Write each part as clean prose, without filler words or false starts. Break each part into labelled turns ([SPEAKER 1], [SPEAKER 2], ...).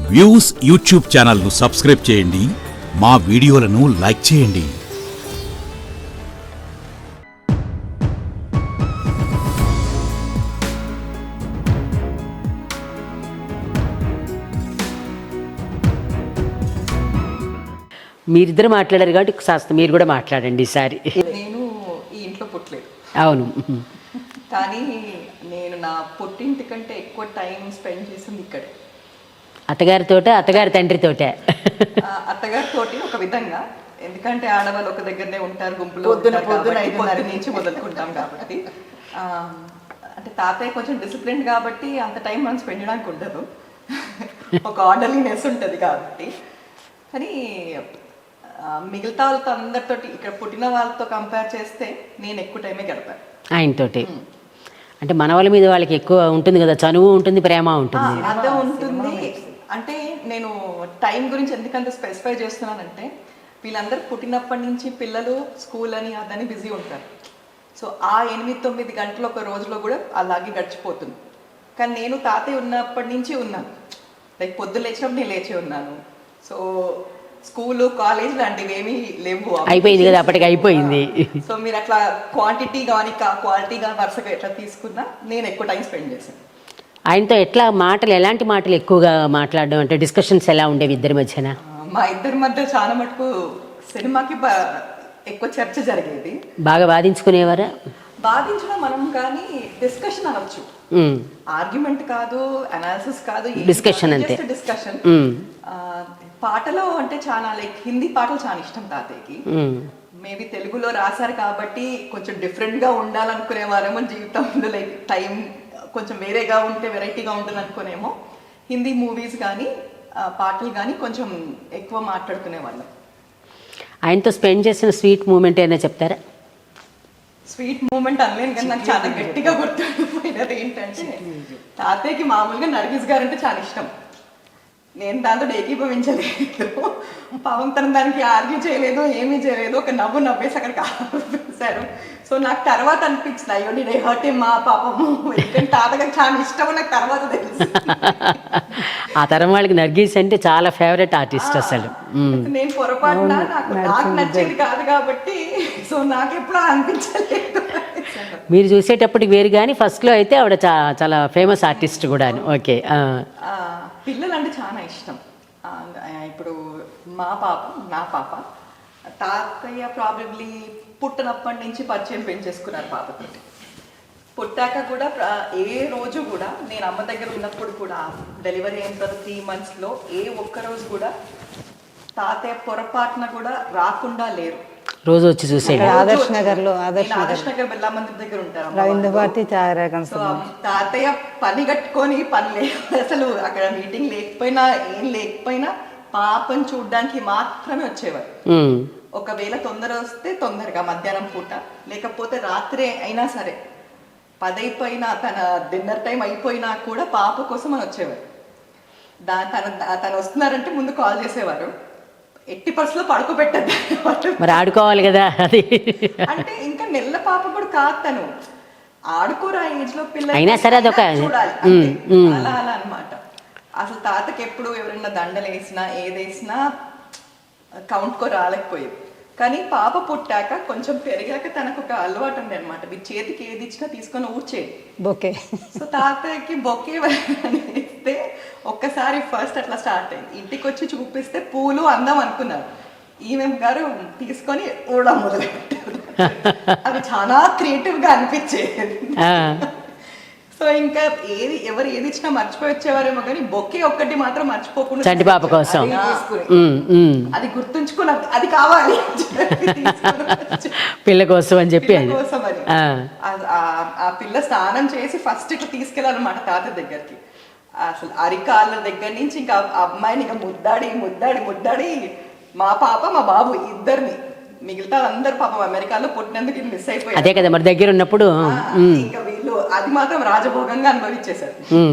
[SPEAKER 1] Views YouTube ఛానల్ను subscribe చేయండి, మా వీడియోలను లైక్ చేయండి.
[SPEAKER 2] మీరిద్దరు మాట్లాడారు కాబట్టి కాస్త మీరు కూడా మాట్లాడండి ఈసారి.
[SPEAKER 3] నేను ఈ ఇంట్లో పుట్టలేదు,
[SPEAKER 2] అవును,
[SPEAKER 3] కానీ నేను నా పుట్టింటి కంటే ఎక్కువ టైం స్పెండ్ చేసింది ఇక్కడే.
[SPEAKER 2] అత్తగారితోట, అత్తగారి తండ్రితోటే?
[SPEAKER 3] అత్తగారితోటి ఒక విధంగా, ఎందుకంటే ఆడవాళ్ళు ఒక దగ్గరనే ఉంటారు, గుంపులో పొద్దున నుంచి మొదలుకుంటాం కాబట్టి. అంటే తాతయ్య కొంచెం డిసిప్లిన్ కాబట్టి అంత టైం మనం స్పెండ్ చేయడానికి ఉండదు, ఒక ఆర్డర్లీనెస్ ఉంటుంది కాబట్టి. కానీ మిగతా వాళ్ళతో అందరితో, ఇక్కడ పుట్టిన వాళ్ళతో కంపేర్ చేస్తే నేను ఎక్కువ టైమే గడిపాను
[SPEAKER 2] ఆయనతోటి. అంటే మన వాళ్ళ మీద వాళ్ళకి ఎక్కువ ఉంటుంది కదా, చనువు ఉంటుంది, ప్రేమ ఉంటుంది,
[SPEAKER 3] అదే ఉంటుంది. అంటే నేను టైం గురించి ఎందుకంత స్పెసిఫై చేస్తున్నానంటే, వీళ్ళందరూ పుట్టినప్పటి నుంచి పిల్లలు స్కూల్ అని అదని బిజీ ఉంటారు. సో ఆ 8-9 గంటలు ఒక రోజులో కూడా అలాగే గడిచిపోతుంది. కానీ నేను తాతయ్య ఉన్నప్పటి నుంచి ఉన్నాను, లైక్ పొద్దున్న లేచినప్పుడు నేను లేచి ఉన్నాను. సో స్కూలు, కాలేజ్ లాంటివి ఏమీ లేవు,
[SPEAKER 2] అయిపోయింది కదా, అప్పటికి అయిపోయింది.
[SPEAKER 3] సో మీరు అట్లా క్వాంటిటీ కానీ క్వాలిటీ కానీ వరుసగా ఎట్లా తీసుకున్నా నేను ఎక్కువ టైం స్పెండ్ చేశాను.
[SPEAKER 2] ఆయనతో ఎట్లా మాటలు, ఎలాంటి మాటలు ఎక్కువగా మాట్లాడడం, అంటే డిస్కషన్స్ ఎలా ఉండేవి ఇద్దరి మధ్యన?
[SPEAKER 3] మా ఇద్దరి మధ్య చాలా మటుకు సినిమాకి ఎక్కువ చర్చ జరిగేది.
[SPEAKER 2] బాగా బాధించుకునేవారా?
[SPEAKER 3] బాధించడం మనం కానీ డిస్కషన్ అనొచ్చు, ఆర్గ్యుమెంట్ కాదు, అనాలిసిస్ కాదు,
[SPEAKER 2] డిస్కషన్ అంతే,
[SPEAKER 3] డిస్కషన్. పాటలో అంటే చాలా లైక్ హిందీ పాటలు చాలా ఇష్టం తాతయ్యకి. మేబీ తెలుగులో రాశారు కాబట్టి కొంచెం డిఫరెంట్ గా ఉండాలనుకునేవారేమో జీవితంలో, లైక్ టైం కొంచెం వేరేగా ఉంటే వెరైటీగా ఉంటుంది అనుకునేమో. హిందీ మూవీస్ కానీ పాటలు కానీ కొంచెం ఎక్కువ మాట్లాడుకునే వాళ్ళం.
[SPEAKER 2] ఆయనతో స్పెండ్ చేసిన స్వీట్ మూమెంట్ ఏమైనా చెప్తారా?
[SPEAKER 3] స్వీట్ మూమెంట్ అనలేను కానీ నాకు చాలా గట్టిగా గుర్తుండిపోయినది ఏంటంటే, తాతయ్యకి మామూలుగా నర్గిస్ గారు అంటే చాలా ఇష్టం. నేను దాంతో ఏకీభవించలేదు, పాపం తను దానికి ఆర్గ్యూ చేయలేదు, ఏమీ చేయలేదు, ఒక నవ్వు నవ్వేసి అక్కడికి ఆపేశారు. సో నాకు తర్వాత అనిపించింది, అయ్యో నేను హర్ట్ మా పాపము, ఎందుకంటే తాతగారికి చాలా ఇష్టం నాకు తర్వాత తెలుసు.
[SPEAKER 2] ఆ తరం వాళ్ళకి నర్గీస్ అంటే చాలా ఫేవరెట్ ఆర్టిస్ట్ అసలు.
[SPEAKER 3] నేను పొరపాటున నాకు నచ్చేది కాదు కాబట్టి, సో నాకు ఎప్పుడు అనిపించలేదు.
[SPEAKER 2] మీరు చూసేటప్పటికి వేరు, కానీ ఫస్ట్లో అయితే ఆవిడ చాలా ఫేమస్ ఆర్టిస్ట్ కూడా. ఓకే,
[SPEAKER 3] పిల్లలు అంటే చాలా ఇష్టం. ఇప్పుడు మా పాప, నా పాప, తాతయ్య ప్రాబబ్లీ పుట్టినప్పటి నుంచి పరిచయం పెంచేసుకున్నారు పాపతోటి. పుట్టాక కూడా ఏ రోజు కూడా, నేను అమ్మ దగ్గర ఉన్నప్పుడు కూడా, డెలివరీ అయిన తర్వాత 3 monthsలో ఏ ఒక్కరోజు కూడా తాతయ్య పొరపాటున కూడా రాకుండా లేరు.
[SPEAKER 2] రోజు వచ్చి చూసేది.
[SPEAKER 4] ఆదర్శ్ నగర్
[SPEAKER 3] బిర్లా మందిర్ దగ్గర ఉంటారు. తాతయ్య పని కట్టుకొని పని లేదు అసలు, అక్కడ మీటింగ్ లేకపోయినా ఏం లేకపోయినా పాపని చూడడానికి మాత్రమే వచ్చేవారు. ఒకవేళ తొందర వస్తే తొందరగా మధ్యాహ్నం పూట, లేకపోతే రాత్రి అయినా సరే 10 అయిపోయినా, తన డిన్నర్ టైం అయిపోయినా కూడా పాప కోసం అని వచ్చేవారు. తను వస్తున్నారంటే ముందు కాల్ చేసేవారు, ఎట్టి పరిస్థితుల్లో పడుకోబెట్టద్దు,
[SPEAKER 2] మరి ఆడుకోవాలి కదా అది.
[SPEAKER 3] అంటే ఇంకా నెల పాప కూడా కాదు, తను ఆడుకోరు ఆ ఏజ్ లో పిల్లలు
[SPEAKER 2] అయినా సరే అదొక
[SPEAKER 3] చూడాలి అలా అలా అనమాట. అసలు తాతకి ఎప్పుడు ఎవరైనా దండలు వేసినా ఏదేసినా కౌంట్కో రాలేకపోయేది. కానీ పాప పుట్టాక కొంచెం పెరిగాక తనకు ఒక అలవాటు ఉంది అనమాట, మీ చేతికి ఏది ఇచ్చినా తీసుకొని ఊడ్చేది బొకే. సో తాతయ్యకి బొకే ఇస్తే ఒక్కసారి ఫస్ట్ అట్లా స్టార్ట్ అయింది. ఇంటికి వచ్చి చూపిస్తే పూలు అందం అనుకున్నారు, ఈమె గారు తీసుకొని ఊడ మొదలెట్టారు. అది చాలా క్రియేటివ్ గా అనిపించేది. సో ఇంకా ఎవరు ఏది ఇచ్చినా మర్చిపోయి వచ్చేవారేమో, కానీ బొకే ఒక్కటి మాత్రం మర్చిపోకుండా
[SPEAKER 2] చంటి పాప కోసం
[SPEAKER 3] అది గుర్తుంచుకున్నా, అది కావాలి
[SPEAKER 2] పిల్ల కోసం అని చెప్పి.
[SPEAKER 3] ఆ పిల్ల స్నానం చేసి ఫస్ట్ ఇట్లా తీసుకెళ్ళాలన్నమాట తాత దగ్గరికి. అసలు అరికాళ్ళ దగ్గర నుంచి ఇంకా అమ్మాయిని ఇంకా ముద్దాడి మా పాప మా బాబు ఇద్దరిని, మిగతా అందరు పాపం అమెరికాలో పుట్టినందుకు మిస్ అయిపోయారు.
[SPEAKER 2] అదే కదా మరి దగ్గర ఉన్నప్పుడు.
[SPEAKER 3] ఇంకా వీళ్ళు అది మాత్రం రాజభోగంగా అనుభవించేశారు.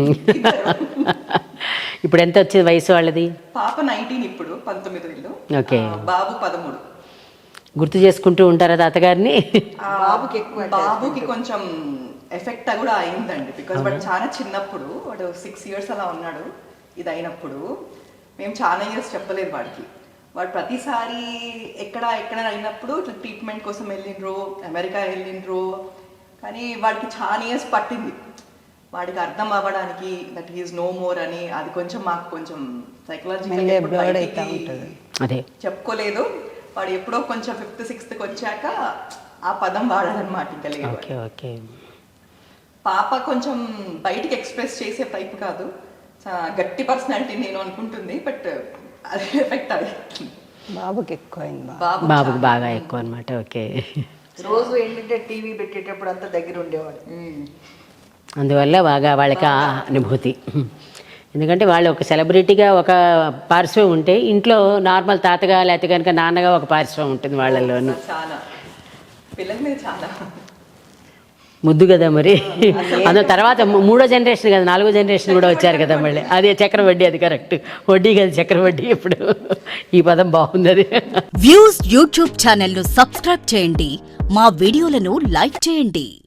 [SPEAKER 2] ఇప్పుడు ఎంత వచ్చేది వయసు వాళ్ళది?
[SPEAKER 3] పాప 19, ఇప్పుడు 19
[SPEAKER 2] ఓకే,
[SPEAKER 3] బాబు 13.
[SPEAKER 2] గుర్తు చేసుకుంటూ ఉంటారా తాతగారిని?
[SPEAKER 3] బాబుకి కొంచెం ఎఫెక్ట్ కూడా అయిందండి, బికాస్ వాడు చాలా చిన్నప్పుడు, వాడు 6 years అలా ఉన్నాడు ఇది అయినప్పుడు. మేము చాలా ఇయర్స్ చెప్పలేదు వాడికి. వాడు ప్రతిసారి ఎక్కడ అయినప్పుడు ఇట్లా ట్రీట్మెంట్ కోసం వెళ్ళిండ్రు, అమెరికా వెళ్ళిండ్రు. కానీ వాడికి చాలా ఇయర్స్ పట్టింది వాడికి అర్థం అవ్వడానికి దట్ ఈజ్ నో మోర్ అని. అది కొంచెం మాకు కొంచెం సైకలాజికల్
[SPEAKER 2] అదే
[SPEAKER 3] చెప్పుకోలేదు. వాడు ఎప్పుడో కొంచెం 5th 6th వచ్చాక ఆ పదం వాడాలన్నమాట. ఇంకా లేదు.
[SPEAKER 2] Okay okay.
[SPEAKER 3] పాప కొంచెం బయటికి ఎక్స్ప్రెస్ చేసే టైప్ కాదు, గట్టి పర్సనాలిటీ నేను అనుకుంటుంది. బట్ అది ఎఫెక్ట్ అది
[SPEAKER 4] బాబుకి ఎక్కువైంది.
[SPEAKER 2] బాబుకి బాగా ఎక్కువ అనమాట. ఓకే.
[SPEAKER 4] రోజు ఏంటంటే టీవీ పెట్టేటప్పుడు అంతా దగ్గర ఉండేవాడు.
[SPEAKER 2] అందువల్ల బాగా వాళ్ళకి ఆ అనుభూతి. ఎందుకంటే వాళ్ళు ఒక సెలబ్రిటీగా ఒక పార్శ్వం ఉంటే ఇంట్లో నార్మల్ తాతగా లేకపోతే కనుక నాన్నగా ఒక పార్శ్వం ఉంటుంది వాళ్ళల్లోనూ.
[SPEAKER 3] చాలా పిల్లల మీద చాలా
[SPEAKER 2] ముద్దు కదా మరి. అందులో తర్వాత 3వ జనరేషన్ కదా, 4వ జనరేషన్ కూడా వచ్చారు కదా మళ్ళీ. అదే చక్రవడ్డీ, అది కరెక్ట్. వడ్డీ కదా చక్రవడ్డీ. ఇప్పుడు ఈ పదం బాగుంది. అది
[SPEAKER 5] వ్యూస్ యూట్యూబ్ ఛానల్ ను సబ్స్క్రైబ్ చేయండి, మా వీడియోలను లైక్ చేయండి.